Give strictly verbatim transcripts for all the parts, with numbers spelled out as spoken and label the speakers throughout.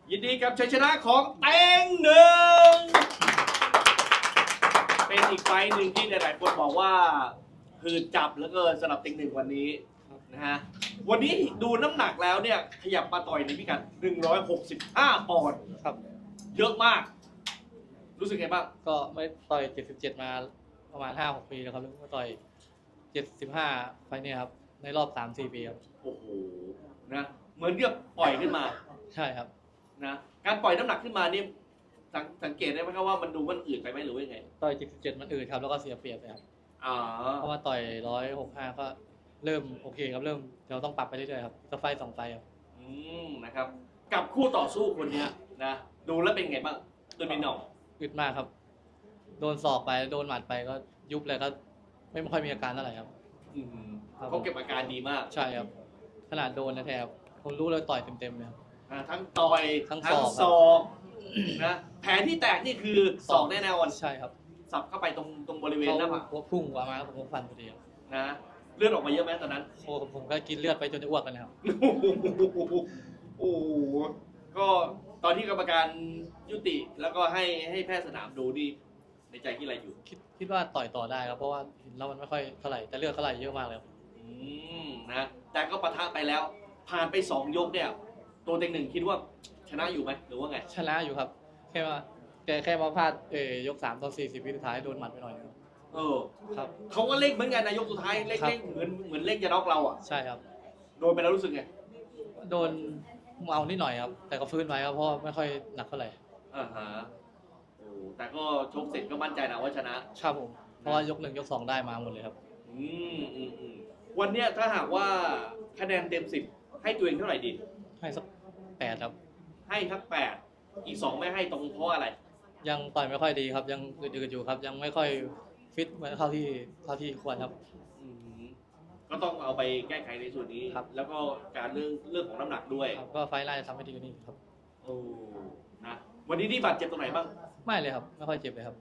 Speaker 1: ยินดีกับชัยชนะของเต็งหนึ่งเป็นอีกไฟล์หนึ่งที่หลายๆคนบอกว่าหืดจับแล้วก็สำหรับเต็งหนึ่งวันนี้นะฮะวันนี้ดูน้ำหนักแล้วเนี่ยขยับมาต่อยในพิกัดหนึ่งร้อยหกสิบห้าปอนด์ครับเยอะมากรู้สึกไงบ้าง
Speaker 2: ก็ไม่ต่อยเจ็ดสิบเจ็ดมาประมาณ ห้าหก ปีแล้วครับแล้วก็ต่อยเจ็ดสิบห้าไฟล์เนี่ยครับในรอบ สามสี่ ปีครับ
Speaker 1: โอ้โหนะเหมือนเรียบปล่อยขึ้นมา
Speaker 2: ใช่ครับ
Speaker 1: นะการปล่อยน้ำหนักขึ้นมานี่สังสังเกตได้ไหมครับว่ามันดูมันอืดไปไหมหรือว่ายังไง
Speaker 2: ต่อยเจ็ดสิบเจ็ดมันอืดครับแล้วก็เสียเปรียบเลยครับ
Speaker 1: อ๋อ
Speaker 2: เพราะว่าต่อยหนึ่งร้อยหกสิบห้าก็เริ่มโอเคครับเริ่มเราต้องปรับไปเรื่อยๆครับสักไฟสองไฟครับ
Speaker 1: อืมนะครับกับคู่ต่อสู้คนนี้นะดูแล้วเป็นไงบ้างตัวนี้หน่อง
Speaker 2: อึดมากครับโดนศอกไปโดนหมัดไปก็ยุบเลยก็ไม่ค่อยมีอาการเท่าไหร่ครับ
Speaker 1: เขาเก็บอาการดีมาก
Speaker 2: ใช่ครับขนาดโดนนะแทบผมรู้เลยต่อยเต็มๆเลยครับ
Speaker 1: ทั้งต่อย
Speaker 2: ทั้ง
Speaker 1: ศอกนะแผลที่แตกนี่คือศอกแน่นอน
Speaker 2: ใช่ครับ
Speaker 1: สับเข้าไปตรงตรงบริเวณหน้าผาก
Speaker 2: หัวพุ่งออกมาผมก็ฟันพอดี
Speaker 1: นะเลือดออกมาเยอะไหมตอนนั้น
Speaker 2: โอ้ผมก็กินเลือดไปจนจะอ้วกกันแล้ว
Speaker 1: โอ้ก็ตอนที่กรรมการยุติแล้วก็ให้ให้แพทย์สนามดูดีในใจที่อะไรอยู่
Speaker 2: คิดคิดว่าต่อยต่อได้ครับเพราะว่าเห็นแล้วมันไม่ค่อยเท่าไหร่แต่เลือดเท่าไหร่เยอะมากเลย
Speaker 1: อืมนะแต่ก็ปะทะไปแล้วผ่านไปสองยกเนี่ยตัวเต็งหนึ่งคิดว่าชนะอยู่ไหมหรือว่าไง
Speaker 2: ชนะอยู่ครับแค่ว่าแกแค่มาพลาดเออยกสามตอนสี่สิบวิสุดท้ายโดนหมัดไปหน่อยนึง
Speaker 1: เออ
Speaker 2: ครับ
Speaker 1: เขาก็เล่งเหมือนกันนะยกสุดท้ายเล่งเล่งเหมือนเหมือนเล่งจะน็อกเราอ่ะ
Speaker 2: ใช่ครับ
Speaker 1: โดนไปแล้วรู้สึกไง
Speaker 2: โดนเอานิดหน่อยครับแต่ก็ฟื้นไว้ครับเพราะไม่ค่อยหนักเท่าไหร่
Speaker 1: อ่าฮะโอ้แต่ก็ชกเสร็จก็มั่นใจนะว่าชนะครับ
Speaker 2: ผมเพราะว่ายกหนึ่งยกสองได้มาหมดเลยครับ
Speaker 1: อืมอืมอืมวันเนี้ยถ้าหากว่าคะแนนเต็มสิบให้ตัวเองเท่าไหร่ดี
Speaker 2: ให้สักแปดครับ
Speaker 1: ให้ทักแปดอีกสองไม่ให้ตรงเพราะอะไร
Speaker 2: ยังต่อยไม่ค่อยดีครับยังอืดๆอยู่ครับยังไม่ค่อยฟิตเหมือนเท่าที่เท่าที่ควรครับ
Speaker 1: ก็ต้องเอาไปแก้ไขในส่วนนี้แล้วก็การเรื่องเรื่องของน้ำหนักด้วย
Speaker 2: ก็ไฟล์ไล่ทำให้ดีกว่านี้ครับ
Speaker 1: โอ้นะวันนี้ที่บาดเจ็บตรงไหนบ้าง
Speaker 2: ไม่เลยครับไม่ค่อยเจ็บเลยครับ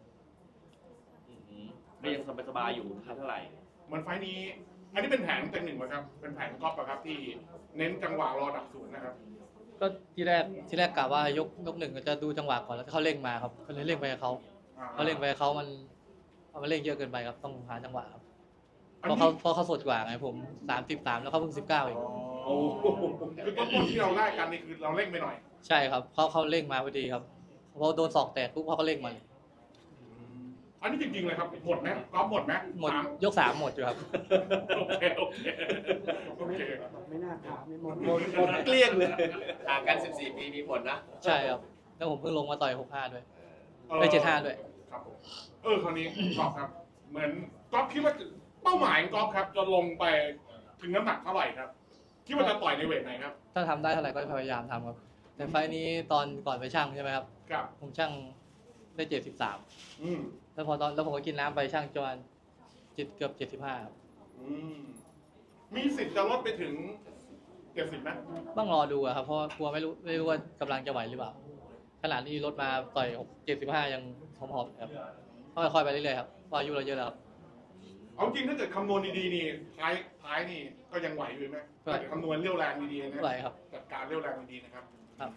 Speaker 1: ก็ยังสบายๆอยู่เท่าไหร่
Speaker 3: เหมือนไฟล์นี้อันนี้เป็นแผนเต็งหนึ่งไหมครับเป็นแผนก๊อปอะครับที่เน้นจังหวะรอดักศูนย์นะครับ
Speaker 2: ก็ที่แรกที่แรกกะว่ายกยกหนึ่งก็จะดูจังหวะก่อนแล้วเขาเร่งมาครับก็เลยเร่งไปเขาเขาเร่งไปเขามันมันเร่งเยอะเกินไปครับต้องหาจังหวะครับเพราะเขาเพราะเขาสดกว่าไงผมสามสิบสามแล้วเขาเพิ่งสิบเก้าเอง
Speaker 3: โอ้คือต้นต้นที่เราไล่กันนี่คือเราเร่งไปหน่อย
Speaker 2: ใช่ครับเขาเขาเร่งมาพอดีครับพอโดนศอกแตกปุ๊บเขาก็เร่งมาเลย
Speaker 3: อันนี้จริงๆเลยครับหมดไหมก๊อปหมดไหม
Speaker 2: หมดยกสามหมดอยู่ครับ
Speaker 3: โอเคโอเคโอเค
Speaker 4: ไม่น่าถามไม่หมด
Speaker 1: หมดหมดเกลี้ยงเลยห่างกันสิบสี่ปีมีผลนะ
Speaker 2: ใช่ครับแล้วผมเพิ่งลงมาต่อยหกห้าด้วยได้เจ็ดห้าด้วย
Speaker 3: ครับผมเออคราวนี้ก๊อปครับเหมือนก๊อปคิดว่าเป้าหมายของก๊อฟครับจะลงไปถึงน้ำหนักเท่าไหร่ครับคิดว่าจะต่อยในเวทไหนครับ
Speaker 2: ถ้าทำได้เท่าไหร่ก็พยายามทำครับแต่ไฟล์นี้ตอนก่อนไปช่างใช่ไหมครับ
Speaker 3: ครับ
Speaker 2: ผมช่างได้เจ็ดสิบสาม
Speaker 3: อืม
Speaker 2: แล้วพอตอนแล้วผมก็กินน้ำไปช่างจนจิตเกือบเจ็ดสิบห้าครับ
Speaker 3: อืมมีสิทธิ์จะลดไปถึงเจ็ดสิบไหม
Speaker 2: ต้องรอดูครับเพราะกลัวไม่รู้ไม่รู้ว่ากำลังจะไหวหรือเปล่าขนาดนี้ลดมาต่อยเจ็ดสิบห้ายังหอมๆครับค่อยๆไปเรื่อยๆครับเพราะอายุเราเยอะแล้ว
Speaker 3: เอาจริงถ้าเกิดคำนวณดีๆนี่ท้ายท้ายนี่ก็ยังไหวอยู่ไหมถ้าเกิดคำนวณเรี่ยวแรงดีๆนะ
Speaker 2: ไหวครับ
Speaker 3: จัดการเรี่ยวแรงดีๆนะครับ
Speaker 2: ครับ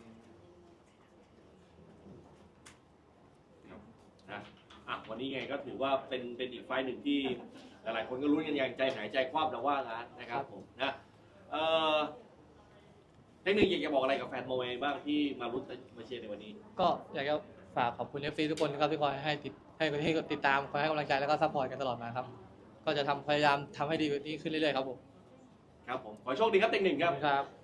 Speaker 1: นะอ่ะวันนี้ไงก็ถือว่าเป็นเป็นอีกไฟล์หนึ่งที่หลายๆคนก็รู้กันอย่างใจหายใจคว่ำแล้วว่างั้นนะครับผมนะเอ่อเทคนิคอยากจะบอกอะไรกับแฟนมวยบ้างที่มาลุ้นมาเชียร์ในวันนี้
Speaker 2: ก็อยากจะฝากขอบคุณ เอฟ ซี ทุกคนนะครับที่คอยให้ติดให้ให้ติดตามคอยให้กำลังใจแล้วก็ซัพพอร์ตกันตลอดมาครับก็จะทำพยายามทำให้ดีกว่านี้ขึ้นเรื่อยๆครับผม
Speaker 1: ครับผมขอโชคดีครับเต็งหนึ่งครับ
Speaker 2: ครับ